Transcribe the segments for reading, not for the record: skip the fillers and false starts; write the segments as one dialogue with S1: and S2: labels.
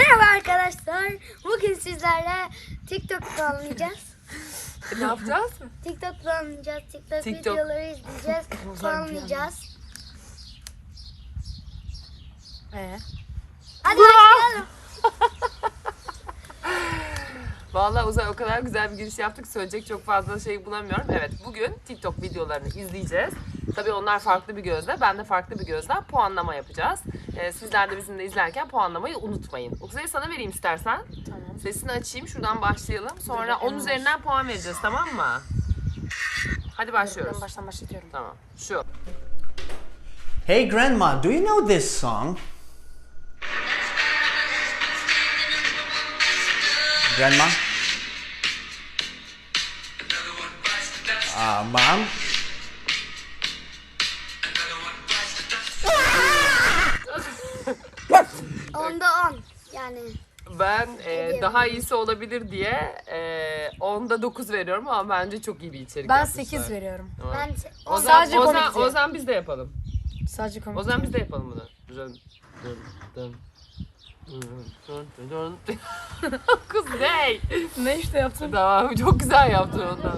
S1: Merhaba arkadaşlar. Bugün sizlerle TikTok puanlayacağız.
S2: Ne yapacağız?
S1: TikTok puanlayacağız. TikTok
S2: TikTok.
S1: videoları izleyeceğiz. Puanlayacağız. Hadi başlayalım.
S2: Vallahi Uzay o kadar güzel bir giriş yaptık. Söyleyecek çok fazla şey bulamıyorum. Evet, bugün TikTok videolarını izleyeceğiz. Tabii onlar farklı bir gözle, ben de farklı bir gözle puanlama yapacağız. Sizler de bizimle izlerken puanlamayı unutmayın. Uzay'ı sana vereyim istersen.
S3: Tamam.
S2: Sesini açayım, şuradan başlayalım. Sonra 10 üzerinden puan vereceğiz, tamam mı? Hadi başlıyoruz.
S3: Ben baştan başlatıyorum.
S2: Tamam, şu.
S4: Hey Grandma, do you know this song? Grandma? Mom?
S1: Onda 10. Yani
S2: Ben daha iyisi olabilir diye 10'da 9 veriyorum ama bence çok iyi bir içerik
S3: Ben
S2: yapmışlar.
S3: 8 veriyorum.
S2: Tamam.
S1: ben
S3: Sadece komik diye.
S2: O zaman biz de yapalım.
S3: Sadece komik.
S2: O zaman biz de yapalım bunu. Kız ne?
S3: Ne işte yaptın?
S2: Tamam, çok güzel yaptın ondan.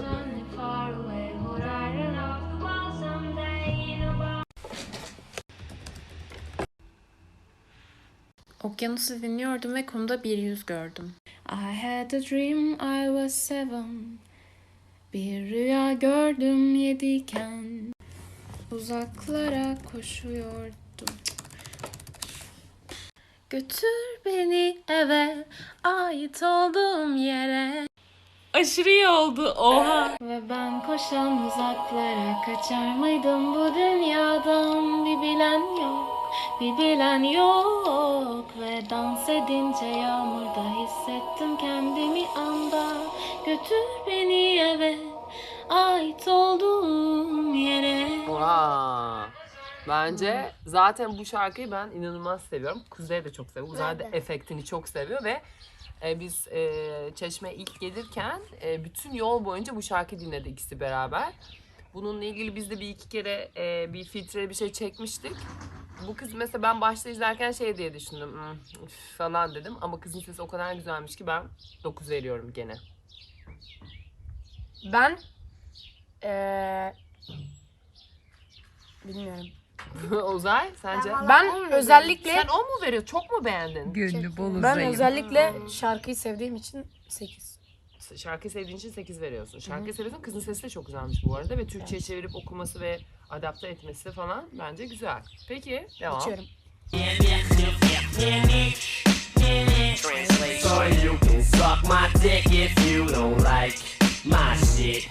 S5: Okyanusu dinliyordum ve kumda bir yüz gördüm. I had a dream I was seven. Bir rüya gördüm yediyken. Uzaklara koşuyordum. Götür beni eve, ait olduğum yere. Aşırı iyi oldu, oha. Ve ben koşan uzaklara kaçar mıydım bu dünyadan? Bir bilen yok, bir bilen yok. Ve dans edince yağmurda hissettim kendimi anda. Götür beni eve, ait olduğum yere.
S2: Oha. Bence zaten bu şarkıyı ben inanılmaz seviyorum. Kuzey de çok seviyor. Uzay da
S1: Ben de.
S2: efektini çok seviyor ve biz Çeşme'ye ilk gelirken bütün yol boyunca bu şarkı dinledik ikisi beraber. Bununla ilgili biz de bir iki kere bir filtre bir şey çekmiştik. Bu kız mesela ben başta izlerken şey diye düşündüm. Üf falan dedim ama kızın sesi o kadar güzelmiş ki ben 9 veriyorum gene.
S3: Ben bilmiyorum.
S2: Uzay sence?
S1: Ben
S3: Ben
S1: on
S3: özellikle
S2: Sen 10 mu veriyor? Çok mu beğendin?
S6: Gönlü bol
S3: ben
S6: uzayım.
S3: özellikle şarkıyı sevdiğim için 8.
S2: Şarkıyı sevdiğin için 8 veriyorsun. Şarkıyı seviyorsun. Kızın sesi de çok güzelmiş bu arada ve Türkçe'ye çevirip okuması ve adapte etmesi falan bence güzel. Peki, devam.
S3: Geçiyorum.
S7: So you can suck my dick if you don't like my shit.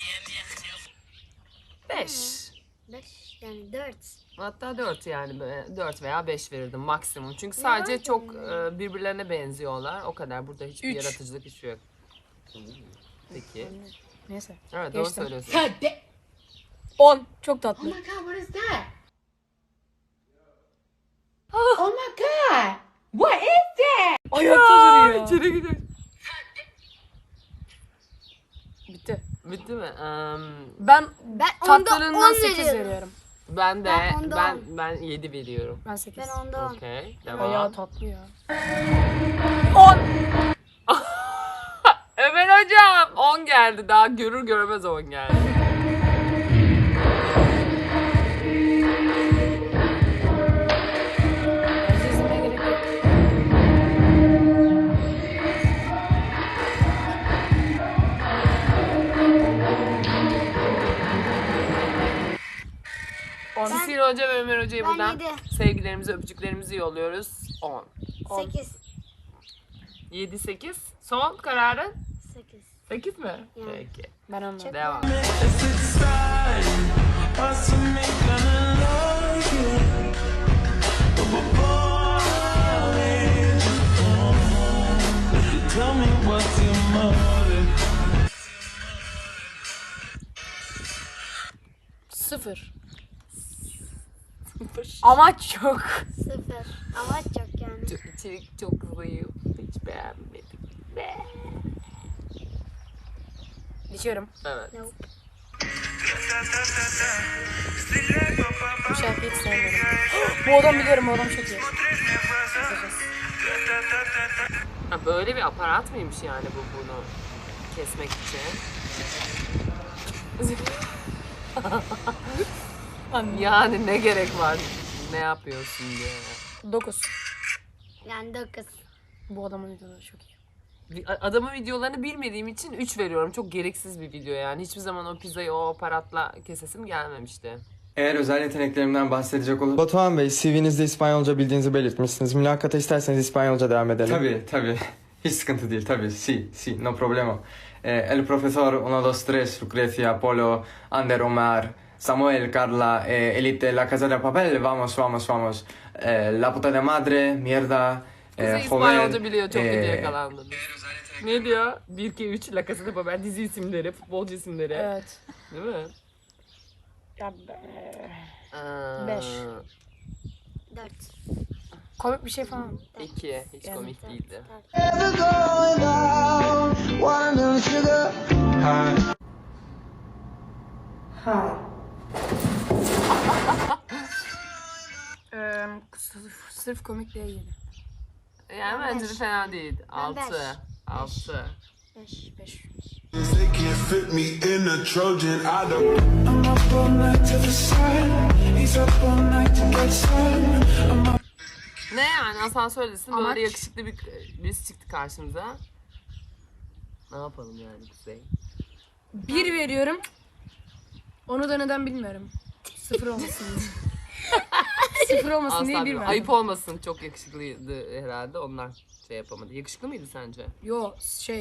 S2: 5.
S1: 5 yani 4.
S2: Hatta 4 yani 4 veya 5 verirdim maksimum. Çünkü sadece çok birbirlerine benziyorlar. O kadar. Burada hiçbir
S3: Üç.
S2: yaratıcılık hiçbir yok. Peki.
S3: Neyse.
S2: Evet, doğru
S3: Geçtim.
S2: söylüyorsun.
S3: 10. Çok tatlı.
S6: Oh my god, what is that? Oh my god! What is that?
S3: Ayakta duruyor.
S2: İçeri gidiyor.
S3: Bitti.
S2: Bitti mi?
S3: Ben
S1: Ben onda
S3: tatlarından
S1: 10
S3: 8
S1: veriyorum.
S3: veriyorum.
S2: Ben de
S1: Ben onda
S2: ben 7 veriyorum.
S3: Ben 8.
S1: Ben onda 10.
S2: Okey.
S3: Bayağı
S2: Devam.
S3: tatlı ya.
S2: Ömer hocam 10 geldi. Daha görür görmez 10 geldi.
S3: Bence izlemeye gerek yok.
S2: Sisir Hoca ve Ömer Hoca'ya
S1: Ben
S2: buradan
S1: yedi.
S2: sevgilerimizi, öpücüklerimizi yolluyoruz. 10.
S1: 8.
S2: 7, 8. Son kararın
S1: 8.
S2: 8 mi?
S1: Yani.
S2: Peki.
S3: Ben anladım.
S2: Devam.
S7: Tell me what's your motive.
S3: 0. Amaç yok.
S1: 0. Ama çok yani.
S2: Çok, içerik çok zayıf. Hiç beğenmedim.
S3: Geçiyorum.
S2: Evet.
S1: Nope.
S3: Bu şarkıyı hiç sevmiyorum. Bu adam biliyorum, bu adam çok iyi.
S2: Ha, böyle bir aparat mıymış yani bu bunu kesmek için? Yani ne gerek var? Ne yapıyorsun diye.
S3: 9.
S1: Yani 9.
S3: Bu adamın videoları çok iyi.
S2: Adamın videolarını bilmediğim için 3 veriyorum. Çok gereksiz bir video yani. Hiçbir zaman o pizzayı o aparatla kesesim gelmemişti.
S8: Eğer özel yeteneklerimden bahsedecek olursak...
S9: Batuhan Bey, CV'nizde İspanyolca bildiğinizi belirtmişsiniz. Mülakata isterseniz İspanyolca devam edelim.
S8: Tabii. Hiç sıkıntı değil tabii. Sí, no problema. El profesor 1, 2, 3, Lucrecia, Polo, Ander, Omar, Samuel, Carla, Elite, La Casa de Papel, vamos. La puta de madre, mierda,
S2: Kızı İspanyolca biliyor. Çok kötü yakalandınız. Ne diyor? 1, 2, 3, La Casa de Papel dizi isimleri, futbolcu isimleri.
S3: Evet.
S2: Değil mi?
S3: Ya,
S2: 5.
S1: 4.
S3: komik bir şey falan.
S2: 2. Hiç komik değildi.
S3: Sırf komik diye yedi.
S2: Yani bence de fena değil. 6. 6.
S3: 5.
S10: They can't fit me in a Trojan. I don't.
S2: Ne yani asansördesin
S3: Amaç-
S2: böyle yakışıklı birisi çıktı karşımıza. Ne yapalım yani Kuzey?
S3: 1 veriyorum. Onu da neden bilmiyorum. 0 olmasın diye. 0 olmasın diye 1
S2: Asla
S3: verdim.
S2: ayıp olmasın, çok yakışıklıydı herhalde ondan şey yapamadı. Yakışıklı mıydı sence?
S3: Yo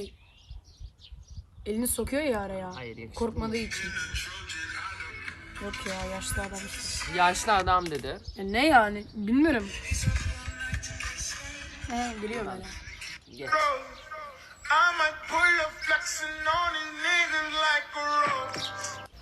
S3: elini sokuyor ya araya.
S2: Hayır, yakışıklı
S3: Korkmadığı için. Yok ya yaşlı adam işte.
S2: Yaşlı adam dedi.
S3: Ne yani bilmiyorum. Biliyorum öyle.
S2: Geç.
S10: I might pull up flexing on these niggas like a rose.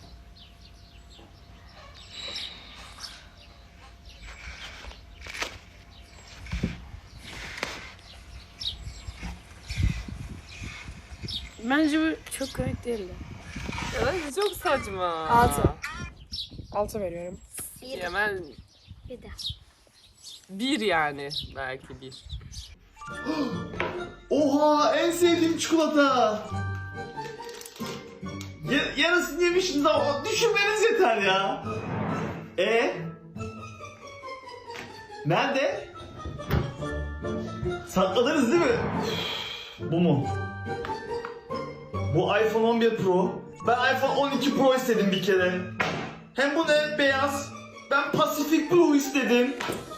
S3: Bence bu çok komik değildi.
S2: Evet, çok saçma.
S3: 6. 6 veriyorum.
S2: Hemen
S1: Bir de.
S2: 1 yani, belki 1.
S11: Oha, en sevdiğim çikolata. Yarısını yemişsiniz ama düşünmeniz yeter ya. Nerede? Sakladınız değil mi? Bu mu? Bu iPhone 11 Pro. Ben iPhone 12 Pro istedim bir kere. Hem bu ne? Beyaz. Ben Pacific Blue istedim.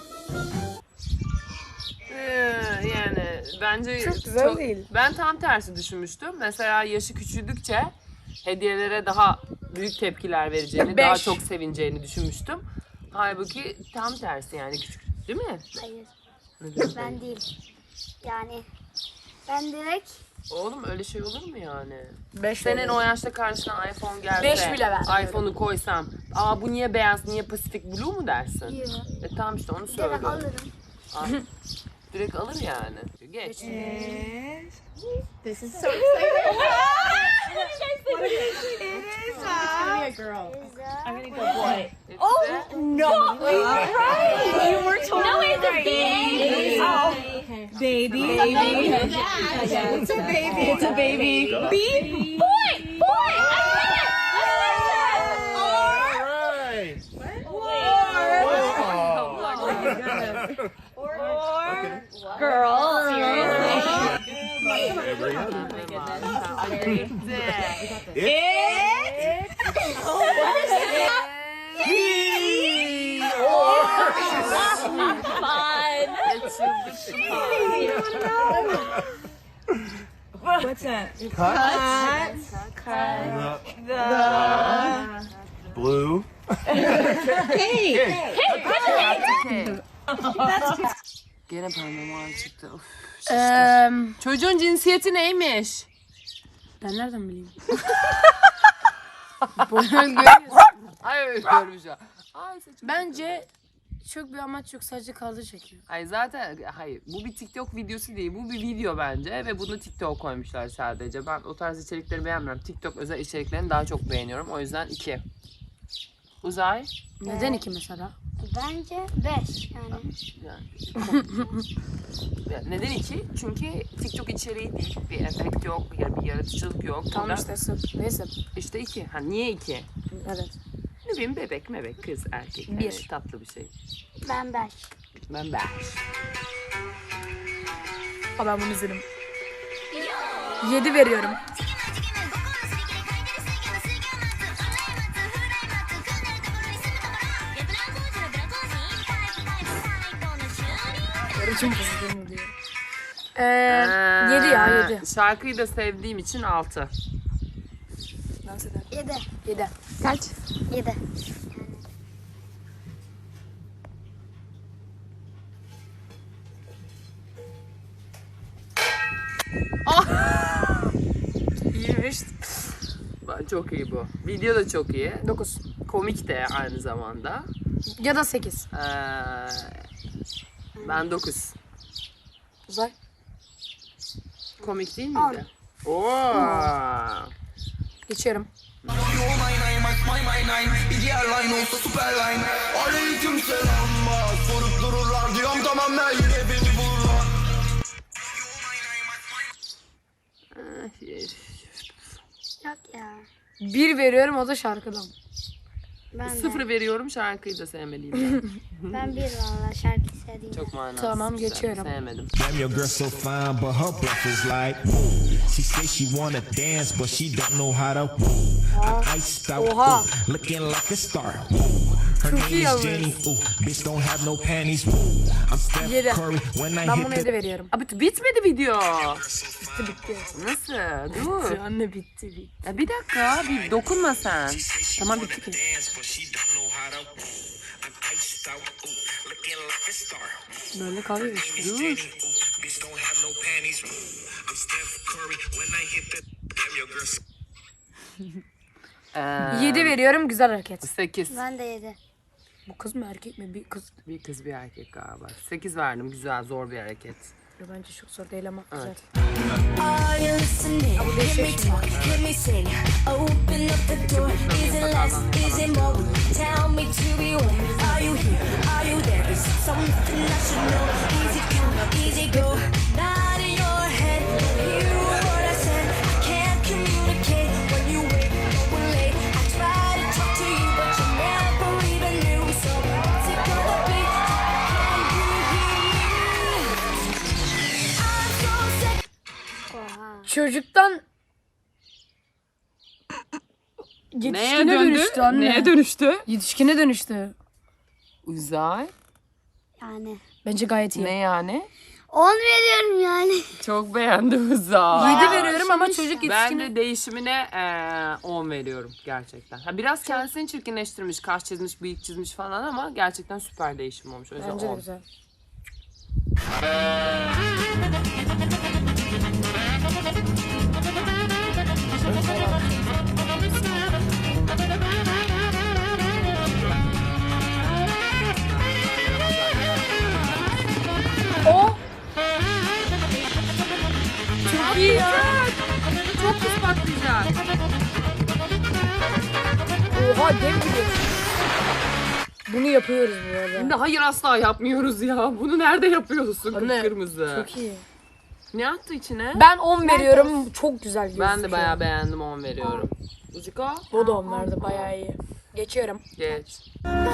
S2: Yani bence
S3: Çok güzel değil.
S2: Ben tam tersi düşünmüştüm. Mesela yaşı küçüldükçe hediyelere daha büyük tepkiler vereceğini, daha
S3: 5.
S2: çok sevineceğini düşünmüştüm. Halbuki tam tersi yani küçük, değil mi?
S1: Hayır.
S2: Neden?
S1: Ben değil. Yani ben direkt
S2: Oğlum öyle şey olur mu yani?
S3: 5
S2: Senin o yaşta karşına iPhone gelse,
S3: 5 bile vermiyorum.
S2: iPhone'u koysam, aa bu niye beyaz, niye Pacific Blue mu dersin?
S1: yiyorum.
S2: Tamam işte onu
S1: Direkt
S2: söylüyorum.
S1: alırım.
S2: Aa, direkt alır yani. Geç.
S6: This is so exciting. I'm gonna go boy.
S2: Oh
S6: No, you're right. You were totally no, it's a baby. Oh, baby. It's a baby. It's a baby. Baby. Boy. Boy. Or girl. What's that? Cut the
S11: Blue.
S2: Gene parmağım çıktı. Of.
S3: Eee
S2: Çocuğun cinsiyeti neymiş?
S3: ben nereden bileyim?
S2: Ay görmüş ya.
S3: Bence çok bir amaç yok, sadece kaldır çekiyor.
S2: Ay zaten hayır, bu bir TikTok videosu değil, bu bir video bence ve bunu TikTok koymuşlar sadece. Ben o tarz içerikleri beğenmiyorum. TikTok özel içeriklerini daha çok beğeniyorum. O yüzden 2. Uzay.
S3: Neden 2 mesela?
S1: Bence 5 yani.
S2: Yani neden 2? Çünkü TikTok içeriği değil. Bir efekt yok, ya bir yaratıcılık yok.
S3: Tamam
S2: Burada
S3: işte sıfır. Neyse.
S2: İşte 2. Ha niye 2?
S3: Evet.
S2: Ne bileyim bebek, mebek, kız, erkek.
S3: Bir.
S2: Evet, tatlı bir şey.
S1: Ben 5.
S2: Ben 5.
S3: Ha ben bunu izledim. 7 veriyorum. Yarıcım kızdım diyor. 7 ya 7.
S2: Şarkıyı da sevdiğim için 6.
S3: Dans eder.
S1: 7.
S3: 7. Kaç?
S1: 7.
S3: İyiymiş.
S2: Çok iyi bu. Video da çok iyi.
S3: 9.
S2: Komik de aynı zamanda.
S3: Ya da 8.
S2: Ben 9.
S3: Uzay.
S2: Komik değil miydi? Oo.
S3: Geçiyorum.
S10: Aleyküm selam bak. Sorup dururlar diyorum tamam ben yine beni bulurlar.
S1: Yok ya.
S3: 1 veriyorum o da şarkıdan.
S1: Ben
S2: 0 veriyorum, şarkıyı da sevmeliyim ben.
S1: Ben 1 valla şarkı sevdiğim.
S2: Çok manasız.
S3: Tamam,
S2: bir şarkı,
S3: geçiyorum.
S2: Sevmedim.
S12: Damn, your girl so fine, but her breath is like woo. She say she wanna dance, but she don't know how to woo. I'm iced out,
S3: Oha.
S12: ooh, looking like a star. Woo. Her
S3: Çok
S12: name
S3: iyi
S12: is
S3: yalnız.
S12: Jenny, ooh, bitch don't have no panties. Woo. I'm Steph
S3: 7.
S12: Curry when I
S3: Ben
S12: hit
S3: buna
S12: the
S3: 7 veriyorum.
S2: Abi bitmedi video.
S3: Bitti.
S2: Nasıl? Dur.
S3: Anne bitti.
S2: Ya bir dakika, bir dokunma sen.
S3: Tamam bitti ki. Böyle kalıyor işte.
S2: Dur. Ee,
S3: 7 veriyorum güzel hareket.
S2: 8.
S1: Ben de 7.
S3: Bu kız mı erkek mi? Bir kız.
S2: Bir kız bir erkek galiba. 8 verdim, güzel, zor bir hareket.
S3: Bence çok zor değil ama güzel.
S2: Evet.
S13: Are you listening?
S3: bu
S13: Let
S3: değişik
S13: me
S3: şimdi.
S13: talk, let me sing. Open up the door. Is it less? Is it more? Tell me to be where? Are you here? Are you there? Is it something I should know? Easy come, easy go. Not in your head. Hear what I said. I can't communicate when you wait or we're late. I try to talk to you, but you never even knew. So what's it gonna be? Can you hear me? I'm so sick.
S1: Oha.
S3: Çocuktan yetişkine dönüştü anne.
S2: Neye dönüştü?
S3: Yetişkine dönüştü.
S2: Uzay.
S1: Yani.
S3: Bence gayet iyi.
S2: Ne yani?
S1: 10 veriyorum yani.
S2: Çok beğendim Uzay.
S3: 7 veriyorum ama çocuk
S2: Ben
S3: yetişkine...
S2: de değişimine 10 veriyorum gerçekten. Ha, biraz kendisini çirkinleştirmiş, kaş çizmiş, bıyık çizmiş falan ama gerçekten süper değişim olmuş. O yüzden
S3: Bence de
S2: 10.
S3: güzel. O çok iyi ya.
S2: Çok pis patlayacak.
S3: Oha dev gibi. Bunu yapıyoruz bu arada.
S2: Şimdi hayır asla yapmıyoruz ya. Bunu nerede yapıyorsun?
S3: Anne,
S2: Kıpkırmızı.
S3: Çok iyi.
S2: Ne attı içine?
S3: Ben 10 veriyorum. Çok güzel gözüküyor.
S2: Ben de bayağı beğendim, 10 veriyorum. Uziko?
S3: O da 10 verdi. Bayağı iyi. Geçiyorum.
S2: Geç.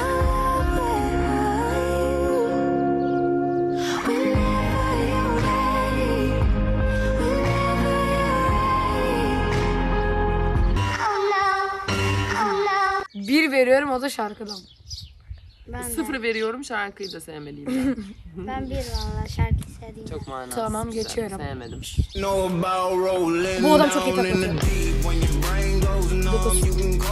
S3: Bir veriyorum o da şarkıdan.
S1: Ben de.
S2: 0 veriyorum, şarkıyı da sevmeliyim ben.
S1: Ben 1 valla şarkı sevdiğim.
S2: Çok manasız.
S3: Tamam,
S2: bir şarkı,
S3: geçiyorum.
S2: Sevmedim.
S3: Bu adam çok iyi taklatıyor. 9.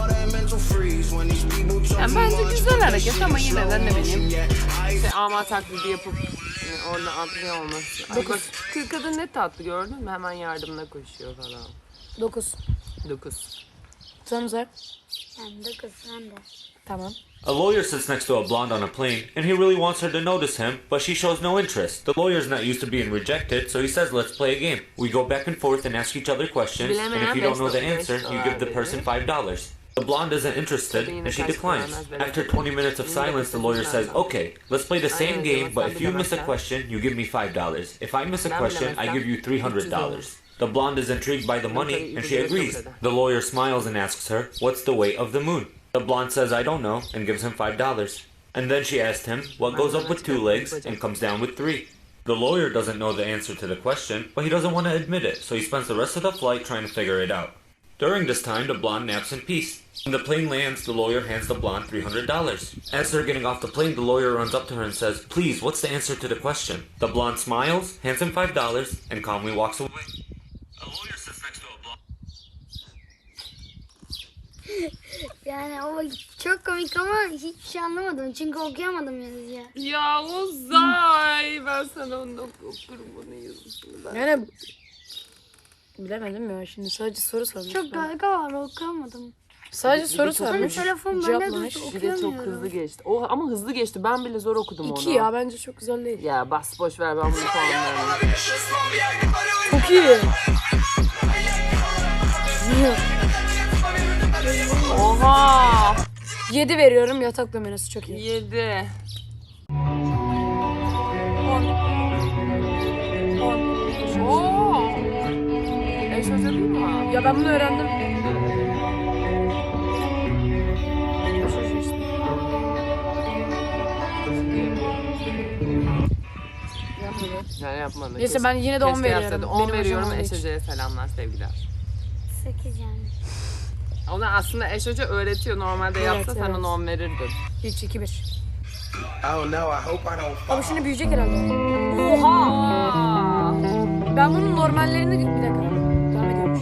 S2: Yani bence güzel hareket ama yine de ne bileyim. Ama taklidi yapıp orada atlıyor olması. Ay bak, kadın ne tatlı gördün mü? Hemen yardımına koşuyor falan.
S3: 9.
S2: 9.
S3: Thumbs up.
S1: Ben 9 ben de.
S3: Tamam.
S14: A lawyer sits next to a blonde on a plane, and he really wants her to notice him, but she shows no interest. The lawyer's not used to being rejected, so he says, let's play a game. We go back and forth and ask each other questions, and if you don't know the answer, you give the person $5. The blonde isn't interested, and she declines. After 20 minutes of silence, the lawyer says, "Okay, let's play the same game, but if you miss a question, you give me $5. If I miss a question, I give you $300. The blonde is intrigued by the money, and she agrees. The lawyer smiles and asks her, "What's the weight of the moon?" The blonde says, "I don't know," and gives him $5. And then she asks him, "What goes up with 2 legs and comes down with 3? The lawyer doesn't know the answer to the question, but he doesn't want to admit it, so he spends the rest of the flight trying to figure it out. During this time, the blonde naps in peace. When the plane lands, the lawyer hands the blonde $300. As they're getting off the plane, the lawyer runs up to her and says, "Please, what's the answer to the question?" The blonde smiles, hands him $5, and calmly walks away. A lawyer sits next to a blonde.
S1: Yani o çok komik ama hiçbir şey anlamadım. Çünkü okuyamadım yazıyı.
S2: Ya Uzay, ben sana onu okurum bunu yazısını ben.
S3: Yani bilemedim ya, şimdi sadece soru sormuş.
S1: Çok dalga var, okuyamadım.
S3: Sadece soru sormuş.
S1: Telefon bende
S3: cevaplamış.
S1: durdu,
S2: Bir de çok
S1: okuyamıyorum.
S2: hızlı geçti. O ama hızlı geçti. Ben bile zor okudum onu.
S3: 2 ya, bence çok güzel değil.
S2: Ya bas boş ver, ben bunu puanlarım.
S3: Çok iyi.
S2: Oha!
S3: 7 veriyorum, yatak numarası çok iyi.
S2: 7.
S3: 10.
S2: Oo! Eş hoca değil mi?
S3: Ya ben bunu öğrendim.
S2: Yani yapmadım.
S3: Neyse, ben yine de 10
S2: Keşke
S3: veriyorum.
S2: yapsaydı. 10
S3: Benim
S2: veriyorum.
S3: hocam
S2: Eş
S3: olduğu için.
S2: hocaya selamlar, sevgiler.
S1: 8 yani.
S2: Ona aslında eş hoca öğretiyor. Normalde
S3: Evet,
S2: yapsa sen
S3: evet.
S2: ona 10 verirdin.
S3: 3, 2, 1.
S10: Oh no, I hope I don't fall.
S3: Ama şimdi büyüyecek herhalde. Oha! Ben bunun normallerini... Bir dakika. Devam ediyormuş.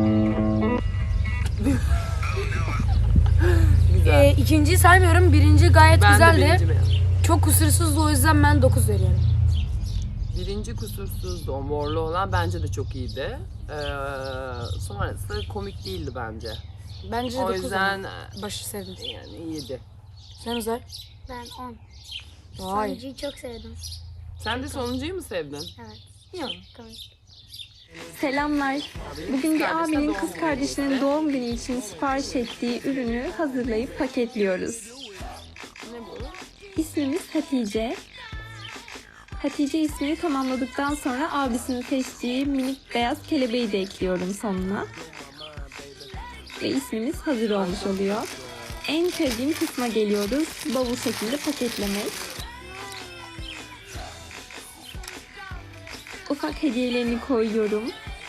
S2: Güzel.
S3: İkinciyi saymıyorum. Birinci gayet
S2: Ben de
S3: güzeldi.
S2: birinci beğendim.
S3: Çok kusursuzdu, o yüzden ben 9 veriyorum.
S2: Birinci kusursuzdu, o morlu olan bence de çok iyiydi. Sonrası komik değildi bence.
S3: Bence de
S2: O
S3: 9
S2: yüzden
S3: başı sevdim.
S2: yani 7.
S3: Sen Uzay?
S1: Ben 10.
S3: Vay.
S1: Sonuncuyu çok sevdim.
S2: Sen de sonuncuyu mu sevdin?
S1: Evet.
S2: Ya.
S1: Komik.
S15: Selamlar. Bugün bir
S2: kardeşler
S15: abinin
S2: doğum
S15: kız
S2: günü
S15: kardeşinin
S2: işte.
S15: doğum günü için sipariş ettiği ürünü hazırlayıp paketliyoruz.
S2: Ne bu?
S15: İsmimiz Hatice. Hatice ismini tamamladıktan sonra abisinin seçtiği minik beyaz kelebeği de ekliyorum sonuna. Ve ismimiz hazır olmuş oluyor. En sevdiğim kısma geliyoruz. Bavul şeklinde paketlemek. Ufak hediyelerini koyuyorum.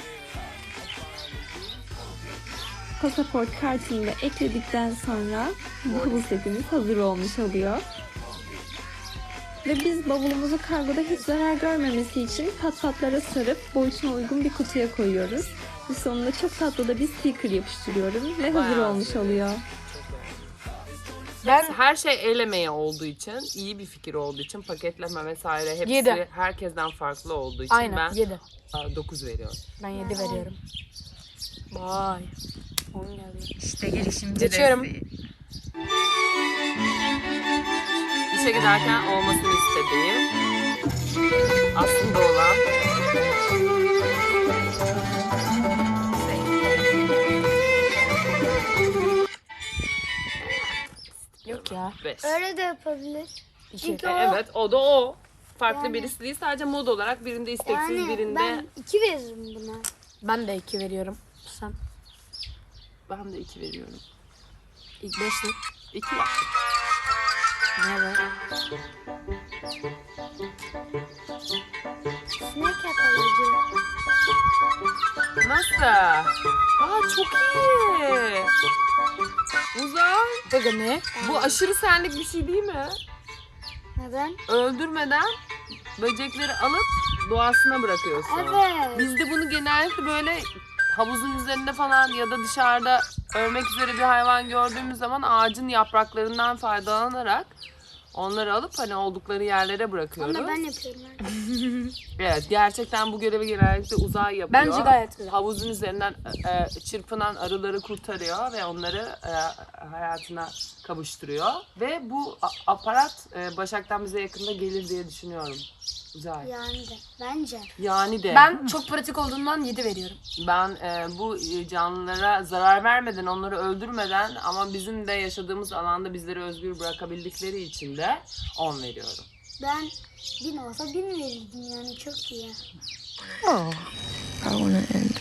S15: Pasaport kartını da ekledikten sonra bavul setimiz hazır olmuş oluyor. Ve biz bavulumuzu kargoda hiç zarar görmemesi için patlatlara sarıp boyutuna uygun bir kutuya koyuyoruz. Ve sonunda çok tatlı da bir sticker yapıştırıyorum ve hazır
S2: Bayağı
S15: olmuş oluyor.
S2: Ben her şey el emeği olduğu için, iyi bir fikir olduğu için, paketleme vesaire hepsi
S3: 7.
S2: herkesten farklı olduğu için
S3: Aynen,
S2: ben
S3: 7.
S2: 9 veriyorum.
S3: Ben 7 veriyorum. Vay. 10 geldi.
S6: İşte girişimci
S3: Geçiyorum.
S6: desteği.
S2: İşe giderken olmasını istediğim, aslında olan
S3: Yok ya.
S2: 5.
S1: Öyle de yapabilir. Çünkü o,
S2: Evet, o da o. Farklı
S1: Yani-
S2: birisi değil, sadece mod olarak birinde isteksiz,
S1: yani
S2: birinde...
S1: ben 2 veririm buna.
S3: Ben de 2 veriyorum. Sen?
S2: Ben de 2 veriyorum.
S3: İlk 5'ti.
S2: 2.
S3: Ne var?
S1: Sinek yakalayıcı.
S2: Nasıl? Aa, çok iyi. Uzay.
S3: Bakın ne?
S2: Bu aşırı senlik bir şey değil mi?
S1: Neden?
S2: Öldürmeden böcekleri alıp doğasına bırakıyorsun.
S1: Evet.
S2: Bizde bunu genellikle böyle havuzun üzerinde falan ya da dışarıda ölmek üzere bir hayvan gördüğümüz zaman ağacın yapraklarından faydalanarak onları alıp hani oldukları yerlere bırakıyoruz.
S1: Onu ben yapıyorum.
S2: Evet, gerçekten bu görevi genellikle Uzay yapıyor.
S3: Bence gayet güzel.
S2: Havuzun üzerinden çırpınan arıları kurtarıyor ve onları hayatına kavuşturuyor. Ve bu aparat Başak'tan bize yakında gelir diye düşünüyorum. Güzel.
S1: Yani de. Bence.
S2: Yani de.
S3: Ben çok pratik olduğundan 7 veriyorum.
S2: Ben bu canlılara zarar vermeden, onları öldürmeden ama bizim de yaşadığımız alanda bizleri özgür bırakabildikleri için de 10 veriyorum.
S1: Ben 1000 olsa 1000 verirdim yani çok iyi.
S15: Oh, I wanna end.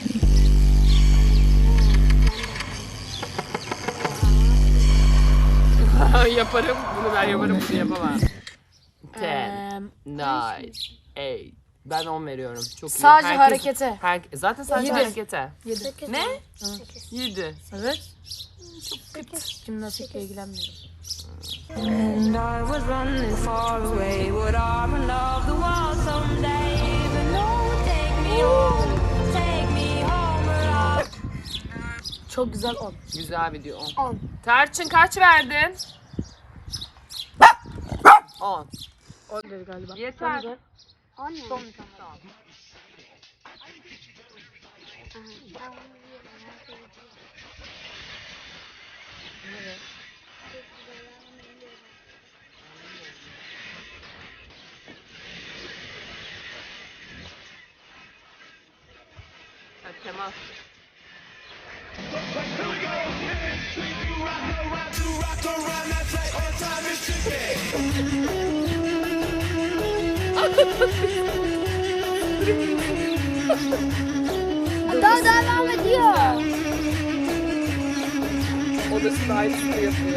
S2: Yaparım, bunu ben yaparım, bunu yapamam. 10, 9, 8. Ben 10 veriyorum. Çok iyi.
S3: Sadece harekete.
S2: Zaten sadece
S3: 7.
S2: harekete.
S3: 7.
S2: Ne? 7.
S3: Evet. Çok kötü. Jimnastikle ilgilenmiyorum.
S13: And I was running far away. Would I run off the wall someday? But no, take me home. Take me home.
S3: Çok güzel 10.
S2: Güzel video 10.
S1: 10.
S2: Tarçın kaç verdin? 10.
S3: 10 dedi galiba.
S2: Yeter.
S1: 10 mu?
S3: Son.
S1: Tamam.
S2: Temas.
S1: Daha devam ediyor.
S2: O da aynısını yapıyor.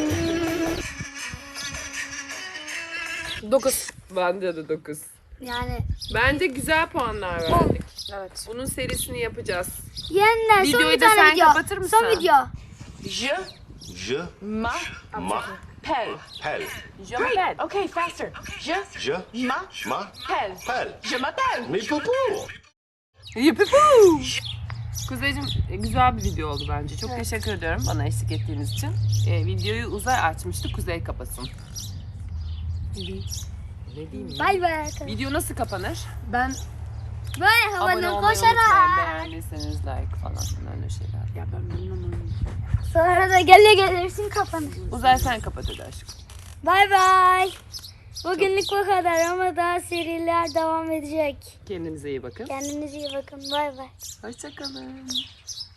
S3: 9.
S2: Bende de 9.
S1: Yani.
S2: Bence güzel puanlar verdik.
S3: Evet.
S2: Bunun serisini yapacağız.
S1: Yeniden son
S2: Videoyu
S1: bir
S2: da
S1: tane
S2: sen
S1: video.
S2: kapatır mısın?
S1: Son video.
S6: Je
S16: Je
S6: m'appelle.
S16: m'appelle.
S2: Je m'appelle.
S6: Okay, faster. Je
S16: Je
S6: m'appelle.
S16: m'appelle.
S6: Je m'appelle.
S16: Mais poupou.
S2: Yipipu. Kuzeyciğim güzel bir video oldu bence. Çok teşekkür ediyorum bana eşlik ettiğiniz için. Videoyu Uzay açmıştı. Kuzey kapatsın. Ne diyeyim?
S1: Bay bay arkadaşlar.
S2: Video nasıl kapanır?
S3: Ben
S1: Böyle
S2: Abone
S1: havadan
S2: olmayı
S1: koşarak.
S2: unutmayın. Beğendiyseniz like falan öyle şeyler.
S3: ya ben bilmem onu.
S1: Sonra da gele gelirsin kapanır.
S2: Uzay sen kapat hadi aşkım.
S1: Bay bay. Bugünlük bu kadar ama daha seriler devam edecek.
S2: Kendinize iyi bakın.
S1: Kendinize iyi bakın. Bay bay.
S2: Hoşçakalın.